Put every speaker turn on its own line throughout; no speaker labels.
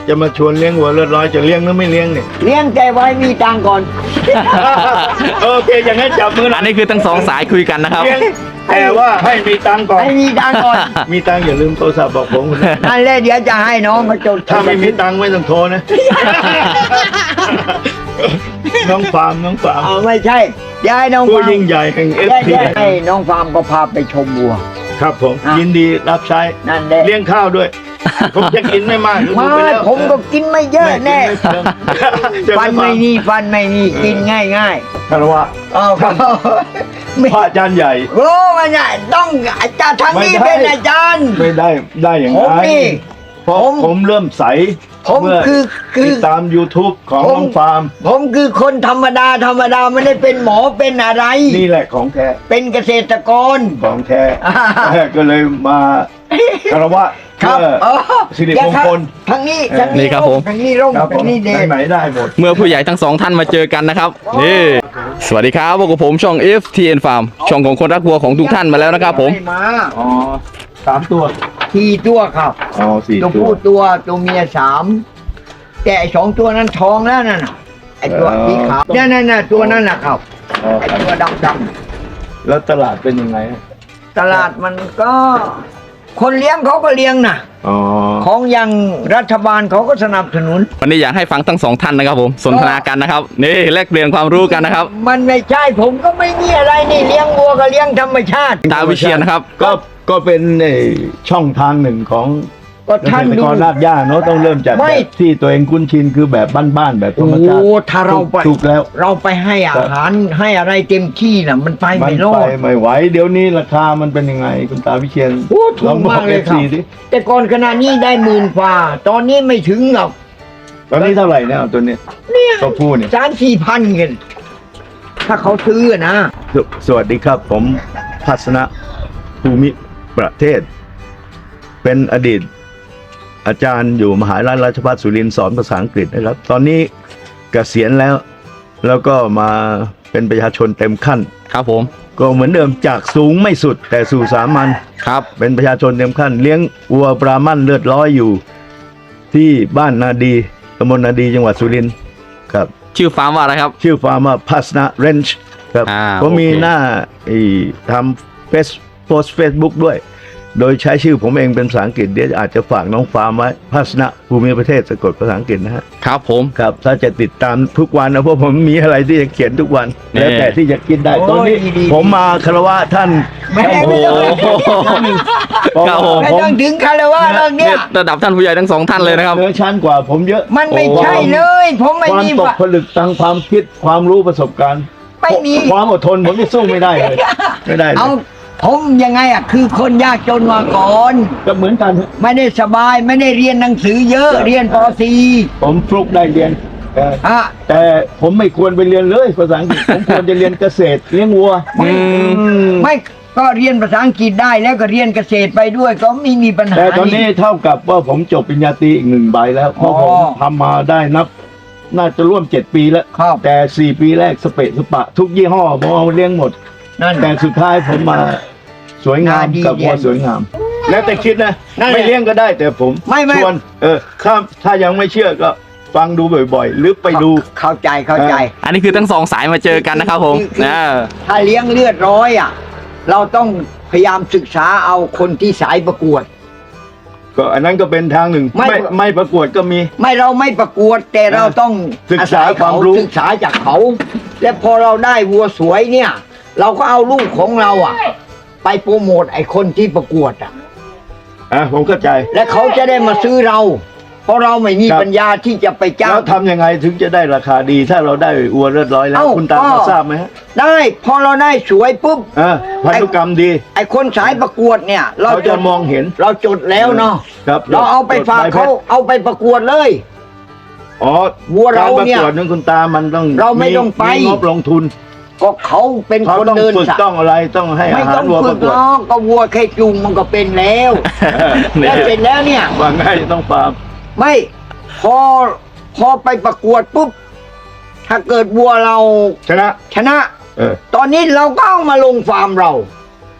จะมาชวนเลี้ยงวัวเลือดร้อยจะเลี้ยงหรือไม่เลี้ยงเนี่ย
เลี้ยงแต่ไว้มีตังค์ก่อน
โอเคอย่างนั้นจับมือ
อันนี้คือทั้งสองสายคุยกันนะครับ
เลี้ยงแต่ว่าให้มีตังค์ก่อน
ให้มีตังค์ก่อน
มีตังค์อย่าลืมโทรศัพท์บอกผมนะ
นั่นแหละเดี๋ยวจะให้น้องมาจด
ถ้าไม่มีตังค์ไม่ต้องโทรนะ น้องฟาร์ม
เอาไม่ใช่เดี๋ยวให้น้อง
ผู้
ฟาร์ม
ยิ่งใหญ่แห่งเอฟ
เดี๋ยว
ที
ให้น้องฟาร์มก็พาไปชมวัว
ครับผม
อ่ะ
ยินดีรับใช้
นั่นแหละ
เลี้ยงข้าวด้วย ผมจะกินไม่มาก
มา
ดูไปแล้ว
ผมก็กินไม่เยอะแน่
จะ
ฟันไม่มีฟันไม่มีกินง่ายง่าย
คารวะ
ๆเอาครับไม่
พระอาจารย์ใหญ่
โอ้มันเนี่ยต้องอาจารย์ทางนี้
ไม่ได้
เป็นอาจารย์
ไม่ได้อย่าง
ผม
นั้น
นี่
เพราะ
ผม
ผมเริ่มใส
ผม
เมื่อ
คือ
ติดตาม YouTube ของ
ผม
น้องฟาร์ม
ผมคือคนธรรมดาไม่ได้เป็นหมอเป็นอะไร
นี่แหละของแท้
เป็นเกษตรกร
ของแท้
อ่า
ก็เลยมาคารวะ
ครับ
เพื่อ
อ๋อ
สิริมงคล
ทางนี้
นี่ครับผม
ทางนี้ร่ม
ครับผ
ทาม งนี้เดช
ไหนๆได้หมด
เมื่อผู้ใหญ่ทั้งสองท่านมาเจอกันนะครับนี่สวัสดีครับพวกบผมช่อง FTN Farm ช่องของคนรักวัวของทุกท่านมาแล้วนะครับผม
ไม่มา
อ๋อ3 ตัว
สี่ตัวครับ
อ๋อ4
ตัว
ตัว
ผู้ตัวเมีย3แต่ไอ้2 ตัวนั้นท้องแล้วนั่นน่ะไอ้ตัวสีขาวนั่นตัวนั้นน่ะครับ
อ๋อ
ไอ้
ครับ
ตัวดำ
แล้วตลาดเป็นยังไง
ตลาดมันก็ คนเลี้ยงเขาก็เลี้ยงนะ
อ๋อ
ของอย่างรัฐบาลเขาก็สนับสนุน
วันนี้อยากให้ฟังทั้งสองท่านนะครับผมสนทนากันนะครับนี่แลกเปลี่ยนความรู้กันนะครับ
มันไม่ใช่ผมก็ไม่มีอะไรนี่เลี้ยงวัวก็เลี้ยงธรรมชาติ
ตาวิเชียนนะครับ
ก็เป็นช่องทางหนึ่งของ
ก็
เก
ท่าน
ษตร
ดู
กรรากหญ้าเนาะต้องเริ่มจาก
ไม่
แบบที่ตัวเองคุ้นชินคือแบบบ้านๆแบบธร
โอ้
รมชาติ
ถ้าเราไป
ถูกแล้ว
เราไปให้อาหารให้อะไรเต็มที่น่ะ มันไป
มัน
ไม่รอ
ไป
ด
ไม่ไหวเดี๋ยวนี้ราคามันเป็นยังไงคุณตาวิเชียน
โอ้ถูกมากเลยครับ
ดิ
แต่ก่อนขนาดนี้ได้10,000 กว่า ตอนนี้ไม่ถึงหรอก
ตอนนี้เท่าไหร่เนี่ยเอาตัวเนี้ย
เนี่ย
ตัวผู้เนี่ย
3-4 พันกันถ้าเขาซื้อนะ
สวัสดีครับ ผมพัฒนะภูมิประเทศ เป็นอดีตอาจารย์อยู่มหาวิทยาลัยราชภัฏสุรินทร์สอนภาษาอังกฤษนะครับ ตอนนี้เกษียณแล้วก็มาเป็นประชาชนเต็มขั้น
ครับผม
ก็เหมือนเดิมจากสูงไม่สุดแต่สู่สามัญ
ครับ
เป็นประชาชนเต็มขั้น เลี้ยงวัวบราหมันเลือดร้อยอยู่ ที่บ้านนาดีตำบลนาดีจังหวัดสุรินทร์ครับ
ชื่อฟาร์มว่าอะไรครับ
ชื่อฟาร์มว่าพัสนาเรนช์ครับ ผมมี
โอเค
หน้าทำโพสเฟซบุ๊กด้วย โดยใช้ชื่อผมเองเป็นภาษาอังกฤษเดี๋ยวอาจจะฝากน้องฟาร์มไว้พัสนะภูมิประเทศสะกดภาษาอังกฤษนะฮะ
ครับผม
ครับถ้าจะติดตามทุกวันนะเพราะผมมีอะไรที่จะเขียนทุกวัน
นี่
แล้วแต่ที่จะคิดได้
โอ้ย
ตอนนี้
ดี
ผมมาคารวะท่าน
ไม่
โอ้
ต้อง
โห
เพราะว่า
ครับผม
ไม่ต้องถึงคารวะเรื่องเนี้ย
ระดับท่านผู้ใหญ่ทั้งสองท่านเลยนะครับ
เหนือชั้นกว่าผมเยอะ
มันไม่ใช่เลย ผมไม่
ความ
มี
ตกผลึกทางความคิดความรู้ประสบการณ์
ไม่มี
ความอดทนผมไม่สู้ไม่ได้เลยไม่ได้เลย
เอาผมยังไงอ่ะคือคนยากจนมาก่อน
ก็เหมือนกัน
ไม่ได้สบายไม่ได้เรียนหนังสือเยอะเรียนป
ผมฟลุกได้เรียน
.4 อ่ะ
แต่ผมไม่ควรไปเรียนเลยภาษาอังกฤษ ผมควรจะเรียนเกษตรเลี้ยงวัว
ไม่ก็เรียนภาษาอังกฤษได้แล้วก็เรียนเกษตรไปด้วยก็ไม่มีปัญหา
แต่ตอนนี้เท่ากับว่าผมจบปริญญาตรีอีก1 ใบแล้วเพราะ
อ๋อ
ผมทำมาได้น่าจะร่วม7 ปีแล้ว
ครับ
แต่4 ปีแรกสเปะสปะ ทุกยี่ห้อผมเอาเลี้ยงหมด
นั่น
แต่สุดท้ายผมมาสวยงาม
ดี
กับวัว
เด่น
สวยงาม แล้วแต่คิดนะ
นั่นแหละ
ไม่เลี้ยงก็ได้แต่ผม
ไม่
ชวนถ้ายังไม่เชื่อก็ฟังดูบ่อยๆ หรือไปดู
เข้าใจ
อันนี้คือทั้งสองสายมาเจอกันนะครับผมนะ
ถ้าเลี้ยงเลือดร้อยอ่ะเราต้องพยายามศึกษาเอาคนที่สายประกวด
ก็อันนั้นก็เป็นทางหนึ่ง
ไม่
ไม่ประกวดก็มี
ไม่เราไม่ประกวดแต่เราต้อง
ศึกษา
อศัย
ความรู้
ศึกษาจากเขา และพอเราได้วัวสวยเนี่ย เราก็เอาลูกของเราอ่ะ ไปโปรโมทไอ้คนที่ประกวดอ่ะ
ผมเข้าใจ
และเขาจะได้มาซื้อเรา เพราะเราไม่มี
ครับ
ปัญญาที่จะไปจ้า
แล้
ง
วทำยังไงถึงจะได้ราคาดี ถ้าเราได้วัวเลือดร้อยแล้ว
เอ้า
คุณตา
ก็
พอทราบไหมฮะ
ได้พอเราได้สวยปุ๊บ
พันธุกรรมดี
ไอ้คนสายประกวดเนี่ย
เขาจะมองเห็น
เราจดแล้วเนาะ
ครับ
เราเอาไปฝาก
จดใบ
เขา
แพทย์
เอาไปประกวดเลย
อ๋อ
วัวเราเนี่ย
กประกวดนั้นคุณตามันต้อง
เราไม่ต้องไป
มีงบลงทุน
ก็เขาเป็น
เขา
คน
ต้อง
เดิน
ฝึก
สาย
ต้องอะไรต้องให้
ไม่
อาหา
ต้
ร
อง
วัวป
ฝึ
ระ
ก
กวด
น้องก็วัวแค่จูงมันก็เป็นแล้ว
เนี่ย
แล้วเสร็จแล้วเนี่ย
ว่าง่ายต้องฟาร์ม
ไม่พอไปประกวดปุ๊บถ้าเกิดวัวเรา
ชนะ
ชนะ
เออ
ตอนนี้เราก็เอามาลงฟาร์มเรา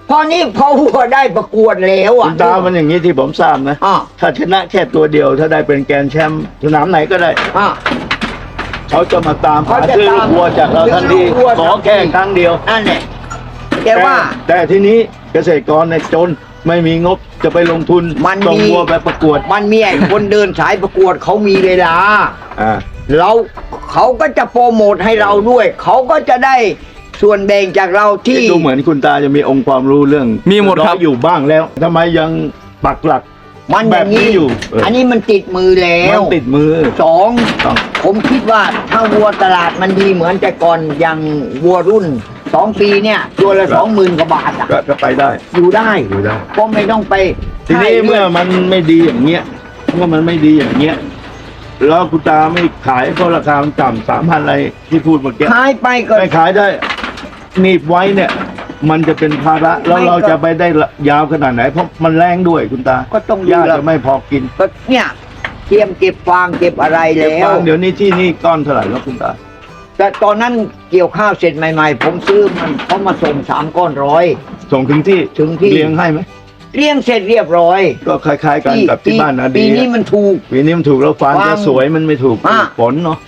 พอนี้พอวัวได้ประกวดแล้ว
คุ
อ่ะ
ณตามันอย่างนี้ที่ผมทราบนะ
อ่ะ
ถ้าชนะแค่ตัวเดียว ถ้าได้เป็นแกรนด์แชมป์สนามไหนก็ได้
อ่ะ
เขาจะมาตามหา
เขาจะ
ซื้อลูกวัวจากเราทันที
ซื้อลูกวัว
ขอแค่ครั้งเดียว
นั่นแหละแต่ว่า
แต่ทีนี้เกษตรกรเนี่ยจนไม่มีงบจะไปลงทุน
มันมี
ส่งวัวไปประกวด
มันมีไอ้คนเดินสายประกวดเขามีเวลา
อ่า
เขาก็จะโปรโมทให้เราด้วย เขาก็จะได้ส่วนแบ่งจากเราที่
ดูเหมือนคุณตาจะมีองค์ความรู้เรื่อง
มีหมดครับ
อยอยู่บ้างแล้วทำไมยังปักหลัก
มันอ
แบ
ย่า
บ
ง
นี้
นี้
อยู่
อันนี้มันติดมือแล้
มั
วน
ติดมือ
สอง
ต้อง
ผมคิดว่าถ้าวัวตลาดมันดีเหมือนแต่ก่อนอย่างวัวรุ่น2 ปีเนี่ยตัวละ 20,000 กว่าบาทอะ
ก็ไปได้
อยู่ได้
อยู่ได้
ก็ไม่ต้องไป
ทีนี้
ให้
เมื่อมันไม่ดีอย่างเงี้ยเมื่อมันไม่ดีอย่างเงี้ยแล้วคุณตาไม่ขายเพราะราคามันต่ำ3,000อะไรที่พูดเมื่อกี้
ขายไปก็
ไม่ขายได้หนีบไว้เนี่ย มันจะเป็นภาระแล้ว
ไม่
เรา
ก็
จะไปได้ยาวขนาดไหน เพราะมันแรงด้วยคุณตา
ก็ต้อง
หญ้า
ดูแล
จะไม่พอกิน
ก็เนี่ยเตรียมเก็บฟางเก็บอะไร
เก็บ
แล้ว
ฟางเดี๋ยวนี้ที่นี่ก้อนเท่าไหร่แล้วคุณตา
แต่ตอนนั้นเกี่ยวข้าวเสร็จใหม่ๆ ผมซื้อมันเขามาส่ง3 ก้อนร้อย
ส่งถึงที่
ถึงที่
เลี้ยงให้ไหม
เลี้ยงเสร็จเรียบร้อย
ก็คล้ายๆกันกับที่บ้านนะ
ปี
ดี
นี้มันถูก
ปีนี้มันถูกแล้วฟาง
ฟาง
จะสวยมันไม่ถูก
อ่ะ
ฝนเนาะ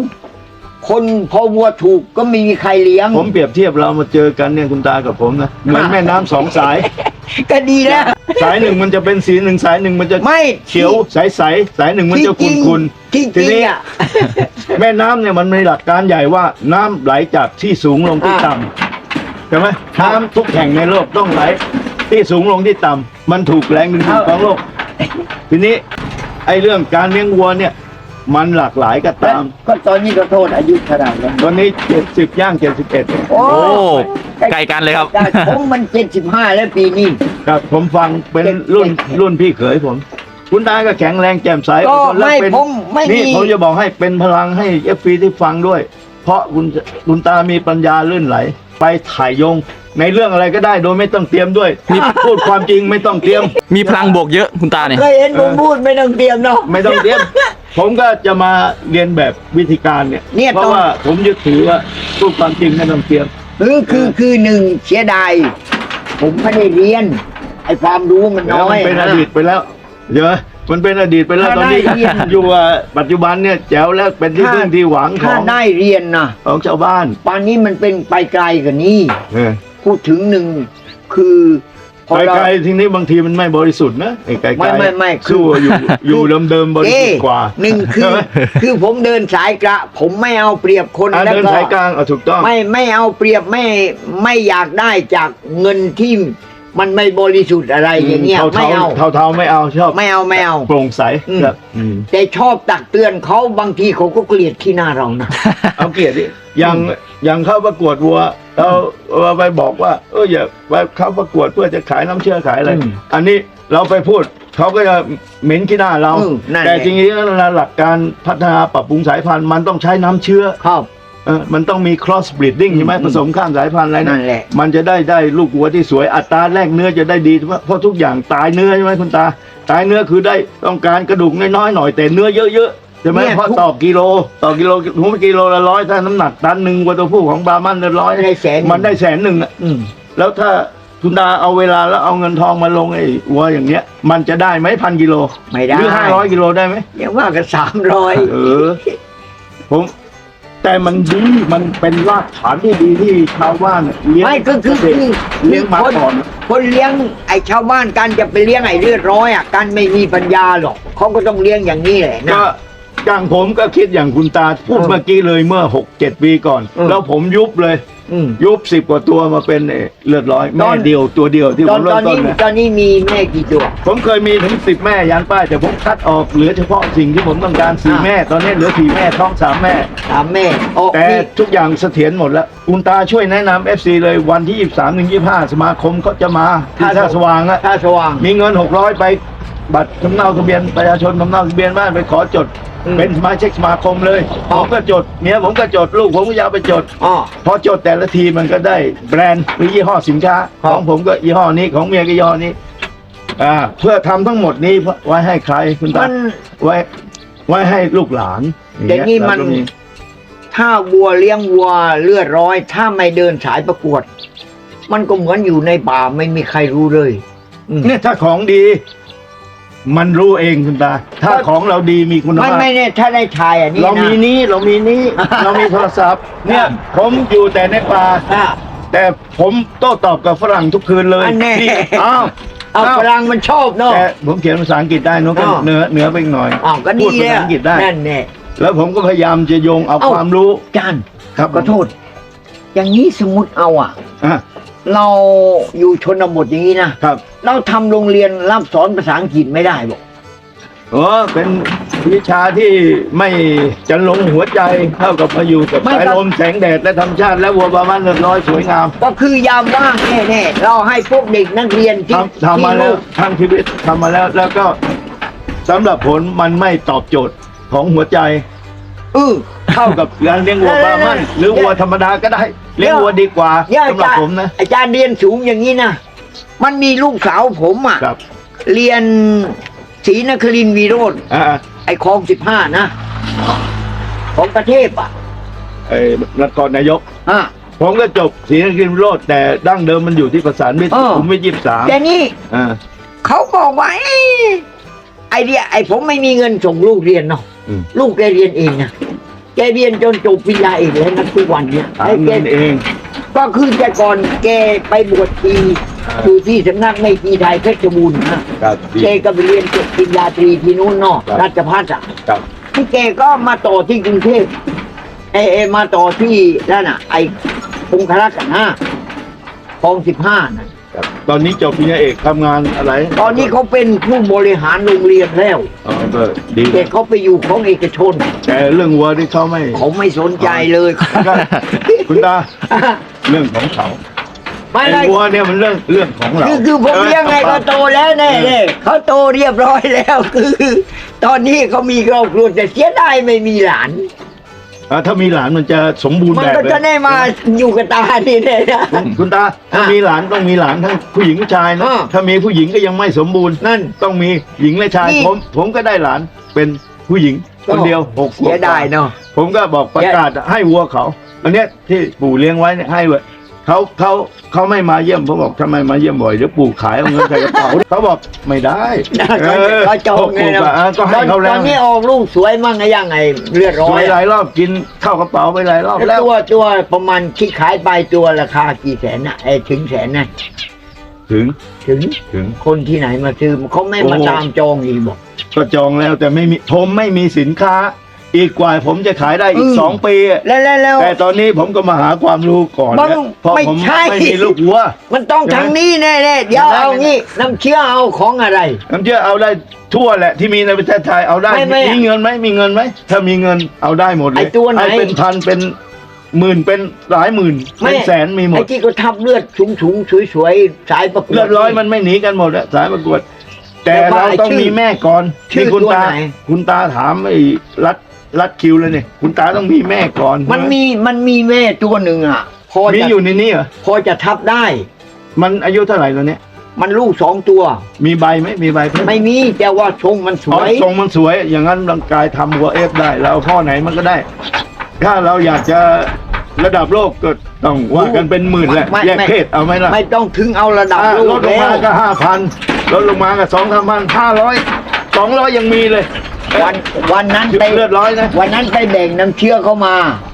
2 คนพอวัวถูกก็ไม่มีใครเลี้ยง
ผมเปรียบเทียบเรามาเจอกันเนี่ยคุณตากับผมนะเหมือนแม่น้ำสองสาย
ก็ดีแล้ว
สายหนึ่งมันจะเป็นสีหนึ่งสายหนึ่งมันจะ
ไม่
เขียวใสๆสายหนึ่งมันจะ
ที่จริง
ขุ่น
ที่จ
ที
ริง
นี้
อ่ะ
แม่น้ำเนี่ยมันมีหลักการใหญ่ว่าน้ำไหลจากที่สูงลงที่ต่ำใช่ไหมน้ำทุกแห่งในโลกต้องไหลที่สูงลงที่ต่ำมันถูกแรงดึงดูดของโลก ทีนี้ไอ้เรื่องการเลี้ยงวัวเนี่ย มันหลากหลายก็ตาม
ก็ตอนนี้ก็โทษอายุขนาดนั้น
ตอนนี้70ย่าง71
โอ้
โอ้ไกลกันเลยครับ
ได้ผมมัน75แล้วปีนี้
ครับผมฟังเป็นรุ่นพี่เขยผม คุณตาก็แข็งแรงแจ่มใส
ก็
อดทนและ
ไม่
เป็น
ผมไม่มี
นี่ผมจะบอกให้เป็นพลังให้เอฟซีที่ฟังด้วย เพราะคุณตามีปัญญาลื่นไหล ไปถ่ายโยง ในเรื่องอะไรก็ได้โดยไม่ต้องเตรียมด้วยมีพูดความจริงไม่ต้องเตรียม
มีพลังบวกเยอะคุณตาเนี่ย
เคยเห็นผมพูดไม่ต้องเตรียมเนาะ
ไม่ต้องเตรียม ผมก็จะมาเรียนแบบวิธีการเนี่ย
เนี่ย
เพราะว่าผมยึดถือว่าพูดความจริงไม่ต้องเตรียม
คือหนึ่งเสียดายผมไม่ได้เรียน ไอ้ความรู้มัน
แล้ว
น้อ
มั
ย
นเป็นอดีตไปแล้วเยอะมันเป็นอดีตไปแล้ว
ถ้า
ตอนนี้
ได้เรียน
อยู่ว่าปัจจุบันเนี่ยแจ๋วแล้วเป็นที่พึ่งที่หวังข
ถ้า
อง
ได้เรียนนะ
ของชาวบ้าน
ป่านนี้มันเป็นไปไกลกว่านี้
เออ
พูดถึงหนึ่งคือพอ
ไป
เรา
ไกลทีนี้บางทีมันไม่บริสุทธิ์นะไอ้ไกลๆ
ไม่คือ
สู้อยู่เดิมๆบริสุทธิ์กว่า
หนึ่งคือ
ใช่ไหม
คือผมเดินสายกระ ผมไม่เอาเปรียบคน แล้ว
เดิน
ก็
สายกลางถูกต้อง
ไม่เอาเปรียบไม่อยากได้จากเงินที่มันไม่บริสุทธิ์อะไรอย่างเงี้ยไม่เอา
เทาๆไม่เอาชอบ
ไม่เอา
โปร่งใส
อืม
ครับ
แต่ชอบตักเตือนเขาบางทีเขาก็เกลียดที่หน้าเรานะ
เอาเกียรติดิอย่างเข้าประกวดวัวเราไปบอกว่าอย่าไปเข้าประกวดเพื่อจะขายน้ำเชื่อขายอะไร
อืม
อันนี้เราไปพูดเขาก็จะเหม็นขี้หน้าเรา
นั่นแหละ
แต่จริงๆแล้วหลักการพัฒนาปรับปรุงสายพันธุ์มันต้องใช้น้ำเชื้อ
ครับ
มันต้องมี cross breeding ใช่ไหม
อืม
ผสมข้ามสายพันธุ์อะไร
นั่นแหละ
มันจะได้ลูกวัวที่สวยอัตราแลกเนื้อจะได้ดีเพราะทุกอย่างตายเนื้อใช่ไหมคุณตาตายเนื้อคือได้ต้องการกระดูกน้อยๆหน่อยแต่เนื้อเยอะๆใช่ไหม
เนี่ย
เพราะต่อกิโลหัวกิโลละ100ถ้าน้ำหนักตันหนึ่งวัวตัวผู้ของบราหมัน100
ได้แสน
มันได้100,000อ่ะ
อืม
แล้วถ้าคุณตาเอาเวลาแล้วเอาเงินทองมาลงไอ้วัวอย่างเงี้ย มันจะได้ไหม1,000 กิโล
ไม่ได้
หรือ500 กิโลได้ไหม
ยังว่ากัน300
เออ แต่มันดีมันเป็นรากฐานที่ดีที่ชาวบ้านเลี้ยง
ไม่ก็คือ
เลี้ยงมาก่อน
คนเลี้ยงไอ้ชาวบ้านกันจะไปเลี้ยงไอ้เลือดร้อยอ่ะกันไม่มีปัญญาหรอกเขาก็ต้องเลี้ยงอย่างนี้แหละนะ
ก็อย่างผมก็คิดอย่างคุณตาพูดเมื่อกี้เลยเมื่อ 6-7 ปีก่อน แล้วผมยุบเลย
อืม
ยุบ10 กว่าตัวมาเป็นเลือดร้อย
ต
แม่
อน
เดียวตัวเดียวที่ผมเริ่มต้นนะ
ตอนนี้มีแม่กี่ตัว
ผมเคยมีถึง10 แม่ยันป้ายแต่ผมคัดออกเหลือเฉพาะสิ่งที่ผมต้องการ4 แม่ ตอนนี้เหลือ4 แม่ท้อง3 แม่
แม่โอ้
แต่
นี่
ทุกอย่างเสถียรหมดแล้วคุณตาช่วยแนะนำ FC เลยวันที่ 23-25 สมาคมเขาจะมาที่ท่าสว่างอะ
ท่าสว่าง
มีเงิน600ไปบัตรสำเนาทะเบียนประชาชนสำเนาทะเบียนบ้านไปขอจด
อืม
เป็นสมาชิกสมาคมเลยผมก็จดเมียผมก็จดลูกผมก็ยาวไปจด
อ๋อ
พอจดแต่ละทีมันก็ได้แบรนด์หรือยี่ห้อสินค้า
ครับ
ของผมก็ยี่ห้อนี้ของเมียก็ยี่ห้อนี้เพื่อทำทั้งหมดนี้ไว้ให้ใครคุณตา
มัน
ไว้ให้ลูกหลาน
อย่างนี้มัน
แล้วก็
ถ้าวัวเลี้ยงวัวเลือดร้อย ถ้าไม่เดินสายประกวดมันก็เหมือนอยู่ในป่าไม่มีใครรู้เลยอืม
เนี่ยถ้าของดี มันรู้เองคุณตา ถ้าของเราดีมีคุณ
ไม่
ภาพ
ไม่เนี่ยถ้าได้ชายอันนี้
เรา
นะ
มีนี้เรามีนี้ เรามีโทรศัพท์ เนี่ย ผมอยู่แต่ในป่า
อ่ะ
แต่ผมโต้ตอบกับฝรั่งทุกคืนเลย
อันแน่
ที่อ้าว
เอาฝรั่งมันชอบเนาะ
แต่ผมเขียนภาษาอังกฤษได้เนอะก็
อ้าว
เหนือไปอีกหน่อย
อ้าวก็
พู
ดี
ด
เล
ภาย ษาอังกฤษได้
นั่นแน่
แล้วผมก็พยายามจะโยงเอา
เอ้า
ความรู้
จาน
ครับ
ขอโทษ อย่างนี้สมมติเอาอ่ะ
อ่ะ
เราอยู่ชนบทอย่างนี้นะครับ เราทำโรงเรียนรับสอนภาษาอังกฤษไม่ได้บอก
เป็นวิชาที่ไม่จะลงหัวใจเท่ากับมาอยู่กับสายลมแสงแดดและธรรมชาติและวัวประมาณเรียบร้อยสวยงาม
ก็คือยามว่างแน่ๆเราให้พวกเด็กนักเรียนที่
ทำมาแล้ว
ที่
ทั้งชีวิตทำมาแล้ว แล้วก็สำหรับผลมันไม่ตอบโจทย์ของหัวใจ เท่ากับการเลี้ยงวัวบาร์มันหรือวัวธรรมดาก็ได้ เลี้ยงวัวดีกว่า
เนี่ย
สำหรับผมนะ
อาจารย์เรียนสูงอย่างนี้นะมันมีลูกสาวผมอ่ะ
ครับ
เรียนศรีนครินทร์วิโรธ
อ่า
ไอ้คลอง15นะของประเทศอ่ะ
นครนายก
อ่ะ
ผมก็จบศรีนครินทร์วิโรจน์แต่ดั้งเดิมมันอยู่ที่ประสานมิตร ผมไม่23
แต่นี่
อ่า
เขาบอกว่าไอ้ผมไม่มีเงินส่งลูกเรียนเนาะ
อืม
ลูกแกเรียนเองนะแกเรียนจนจบปริญญาเอกแล้วนะทุกวันเนี่ย
หาเงินเอง
ก็คือแต่ก่อนแกไปบวชทีอยู่ที่สำนักไม่ตรีไทยเพชรบูรณ์นะครับ แกก็ไปเรียนจบปริญญาตรีที่นู้นเนาะ
ครับ
ราชภัฏอ่ะ
ครับ
ที่แกก็มาต่อที่กรุงเทพมาต่อที่นั่นน่ะ ไอ้พงคลักษณ์นะคลอง15น่ะ
ครับตอนนี้จบปริญญาเอกทำงานอะไร
ตอนนี้เขาเป็นผู้บริหารโรงเรียนแล้ว
อ๋อก็ดี
แต่เขาไปอยู่ของเอกชน
แต่เรื่องวัวที่เขาไม่
เขาไม่สนใจเลย
ก็คุณตาเรื่องของเขา
ไม่
ไอ้
ได้
วัวเนี่ยมันเรื่องของเรา
คือผมเลี้ยงไงก็โตแล้วแน่
เออ
เขาโตเรียบร้อยแล้วคือ ตอนนี้เขามีครอบครัวแต่เสียดายไม่มีหลาน
ถ้ามีหลานมันจะสมบูรณ์
มัน
แบบ
ก็
เลย
จะได้มาอยู่กับตานี่แน่นะ
คุณตาถ้ามีหลานต้องมีหลานทั้งผู้หญิงผู้ชายนะ
อ่า
ถ้ามีผู้หญิงก็ยังไม่สมบูรณ์
นั่น
ต้องมีหญิงและชาย
นี่
ผมก็ได้หลานเป็นผู้หญิงคนเดียว6
เสียดายเนาะ
ผมก็บอกประกาศให้วัวเขาอันเนี้ยที่ปู่เลี้ยงไว้เนี่ยให้ไว้เขาไม่มาเยี่ยมผมบอกทำไมมาเยี่ยมบ่อยเดี๋ยวปู่ขายเอาเงินใส่กระเป๋า เขาบอกไม่ได้
ก็จองไง
ปู่
นะ
ก็ให้เขา
ต
แล้
อ
วน
นี้ออกลูกสวยมั่งไงยังไงเลือดร้
ส
อ
วย ยหลายรอบกินเข้ากระเป๋าไปหลายรอบ
แล้
แล้ว
วตัวประมาณที่ขายไปตัวราคากี่แสนน่ะถึงแสนน่ะ
ถึง
ถึงคนที่ไหนมาซื้อเขาไม่มา
โอ้
ตามจองอีกบอก
ก็จองแล้วแต่ไม่มีผมไม่มีสินค้า อีกกว่าผมจะขายได้อีก 2 ปีอะ
แล้ว
แต่ตอนนี้ผมก็มาหาความรู้ก่อน
มัน
นะเพราะ
ไม่
ผม
ใช่
ไม่มีลูกวัว
มันต้องทางนี้แน่ๆเดี๋ยว
ไม่ได้
เอางี้น้ำเชื่อเอาของอะไร
น้ำเชื่อเอาได้ทั่วแหละที่มีในประเทศไทยเอาได้
ไม่
มีเงินไหมมีเงินไหมถ้ามีเงินเอาได้หมดเลย
ไอ้ตัวไหน
อ้เป็นพันเป็นหมื่นเป็นหลายหมื่นเป็นแสนมีหม
ไอ้
ด
ที่ก็ทับเลือดสูงสวยๆสายประกวด
เลือดร้อยมันไม่หนีกันหมดอะสายประกวด แต่
แต่ว่า
เราต้อง
ชื่อ
มีแม่ก่อน
ชื่อ
นี่คุณ
ตัว
ตา
ไหน
คุณตาถามไอ้รัดคิวเลยเนี่ยคุณตาต้องมีแม่ก่อน
มันมีแม่ตัวหนึ่งอ่ะ พอ
มี
จะ
อยู่ในนี้เหรอ
พอจะทับได้
มันอายุเท่าไหร่แล้วเนี่ย
มันลูก2 ตัว
มีใบไหมมีใบเพิ่ม
ไม่มีแต่ว่าทรงมันส
อ๋อ
วย
ทรงมันสวย อย่างนั้นร่างกายทำวัวเอฟได้เราเอาข้อไหนมันก็ได้ ถ้าเราอยากจะระดับโลกก็ต้องว่ากันเป็นหมื่นแหละ
ไม่
แยก
ไม่
เพศเอาไหมล่ะ
ไม่ต้องถึงเอาระดับโล
ล
ก
ดลง
แล้
มาว ก็5,000ลดลงมาก็2,000 200ยังมีเลย
วันนั้นไป
เลือดร้อยนะ
วันนั้นไปแบ่งน้ำเชื่อเข้ามา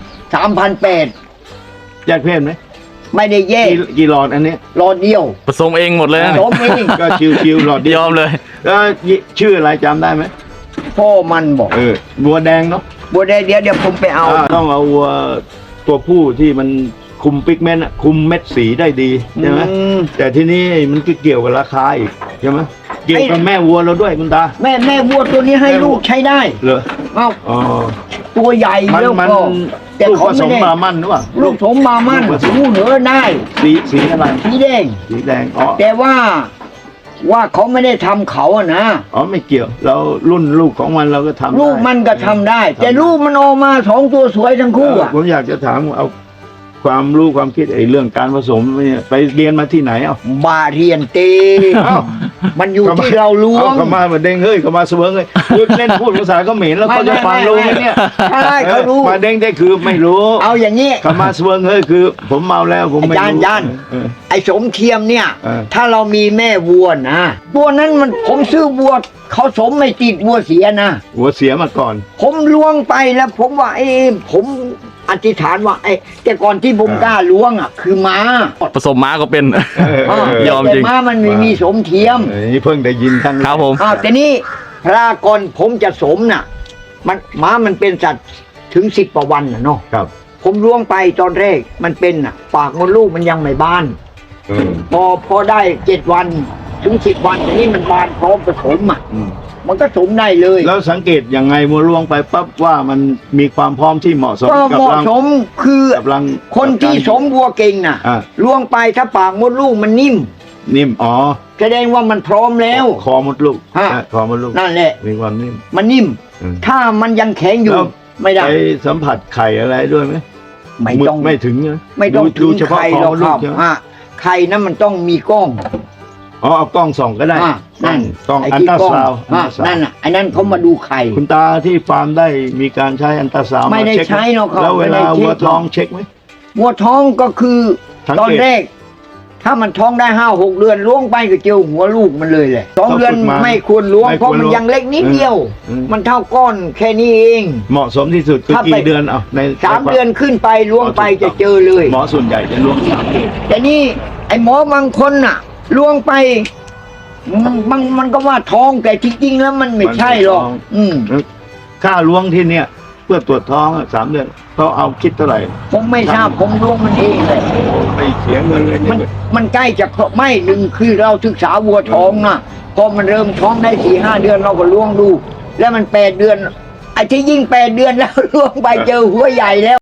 3,800
แยกเพศไหม
ไม่ได้แยก
กี่หลอดอันนี้
รอเดียว
ผสมเองหมดเลยนะ
สมเอง
ก็ชิวๆหลอดเดี
ย
ยว
อมเลย
แล้วชื่ออะไรจำได้ไหม
พ่อมันบอก
วัวแดงเนาะ
บัวได้เดี๋ยวผมไปเอา
ต้องเอาวัวตัวผู้ที่มันคุมปิกเมนต์อะคุมเม็ดสีได้ดีใช่ไหม แต่ที่นี่มันก็เกี่ยวกับราคาอีกใช่ไหมเกี่ยวกับแม่วัวเราด้วยคุณตา
แม่วัวตัวนี้ให้ลูกใช้ได้
เหรอ
เอ้า
อ๋อ
ตัวใหญ่
มัน
แล้ว
มัน
ก็แต่
ลูก
เขา
ผส
ไม่
ม
ได้
บามันหรือเปล่า
ลูกสมบามัน
ลูกผสม
ลูกเหนือได้
สีอะไร
สีแดง
สีแดงอ๋อ
แต่ว่าเขาไม่ได้ทำเขาอะนะ
อ๋อไม่เกี่ยว เรารุ่นลูกของมันเราก็ทำได้
ลูกมันก็ทำได้ แต่ลูกมันออกมา2 ตัวสวยทั้งคู่อะ
ผมอยากจะถามเอาคความรู้ความคิดไอ้เรื่องการผสมเนี่ยไปเรียนมาที่ไหนเอ้า
บาเรียนเต
เอ้า
มันอยู่ที่เราล้วง
เขามาเด้งเฮ้ยเขามาเสวิงเลยพูดเล่นพูดภาษาเขมรแล้วเขาจะฟังรู้ไหมเนี่ย
ใช่เขารู้
มาเด้งได้คือไม่รู้
เอาอย่างนี้
เขามาเสวิงเฮ้ยคือ ผมเมาแล้วผมไม่
อาจารย์
รู้
อาจารย์
เออ
ไอ้สมเทียมเนี่ย
เออ
ถ้าเรามีแม่วัวนะตัวนั้นมันผมซื้อวัวเขาสมไม่ติดวัวเสียนะ
หัวเสียมาก่อน
ผมล้วงไปแล้วผมว่าผมอธิษฐานว่าแต่ก่อนที่ผมกล้าล้วงอ่ะ คือม้า
ผสมม้าก็เป็น ยอมจริง
แต่ม้ามันไม่มีสมเทียม
นี่เพิ่งได้ยินครั้งแก
ครับผม
แต่นี่พระก่อนผมจะสมน่ะ มันม้ามันเป็นสัตว์ถึง10 กว่าวันน่ะเนาะ
ครับ
ผมล้วงไปตอนแรกมันเป็นน่ะปากมดลูกมันยังไม่บาน
เออ
พอได้7 วันถึง10 วันทีนี้มันบานพร้อมผสมอ่ะ
อืม
มันก็สมได้เลย
แล้วสังเกตยังไงมัวล่วงไปปั๊บว่ามันมีความพร้อมที่เหมาะสม
ก็
กั
เหมาะ
รัง
สมคือ
กับรัง
คนที่สมวัวเก่งน่ะ
อ่ะ
ล้วงไปถ้าปากมดลูกมันนิ่ม
นิ่มอ๋อ
แสดงว่ามันพร้อมแล้ว
คอมดลูก
ฮะ
คอมดลูก
นั่นแหละ
มีความนิ่ม
มันนิ่ม
อืม
ถ้ามันยังแข็งอยู่
แล้ว
ไม่ได้
ไปสัมผัสไข่อะไรด้วยไหม
ไม่ต้อง
ไม่ถึงนะ
ไม่ต้อง
ดู
ถึง
เฉพาะ
ไข่
ค
หร
อ
อก
มด
ค
ลู
รั
ก
บ
ใช่ไหม
ไข่นั้นมันต้องมีกล้อง
อ๋อเอากล้องส่องก็ได้
นั่น
กล้อง
ไ
อันตรา
ที่
ซาวด์
นั่นน่ะไอ้นั่นเขามาดูไข่
คุณตาที่ฟาร์มได้มีการใช้อันตราซาวด์
ไม่ได้
าเช็คห
ใช้หรอกครับ
แล้วเวลา
ไม่ได้เช็ค
วัวท้องเช็คไหม
วัวท้องก็คือ
สังเกต
ตอนแรก ถ้ามันท้องได้5-6 เดือนล้วงไปก็เจอหัวลูกมันเลยแหละ2 เดือนไม่ควรล้วงเพราะมันยังเล็กนิดเดียว มันเท่าก้อนแค่นี้เอง
เหมาะสมที่สุดคือ
ถ้าไป
กี่เดือนเอาใน
3 เดือนขึ้นไปล้วงไปจะเจอเลย
หมอส่วนใหญ่จะล้วง3 เดือน
แต่นี่ไอ้หมอบางคนน่ะล้วงไปมันก็ว่าท้องแต่ที่จริงแล้วมันไม่ใช่หรอก
ค่าล้วงที่เนี่ยเพื่อตรวจท้อง3 เดือนเขาเอาคิดเท่าไหร่
ผมไม่ทราบผมล้วงมันเองเลย
ไม่เสียเงินเลย
มันใกล้จะไม่หนึ่งคือเราศึกษาวัวท้องนะพอมันเริ่มท้องได้4-5 เดือนเราก็ล้วงดู แล้วมัน8 เดือนไอ้ที่ยิ่ง8 เดือนแล้วล้วงไปเจอหัวใหญ่แล้ว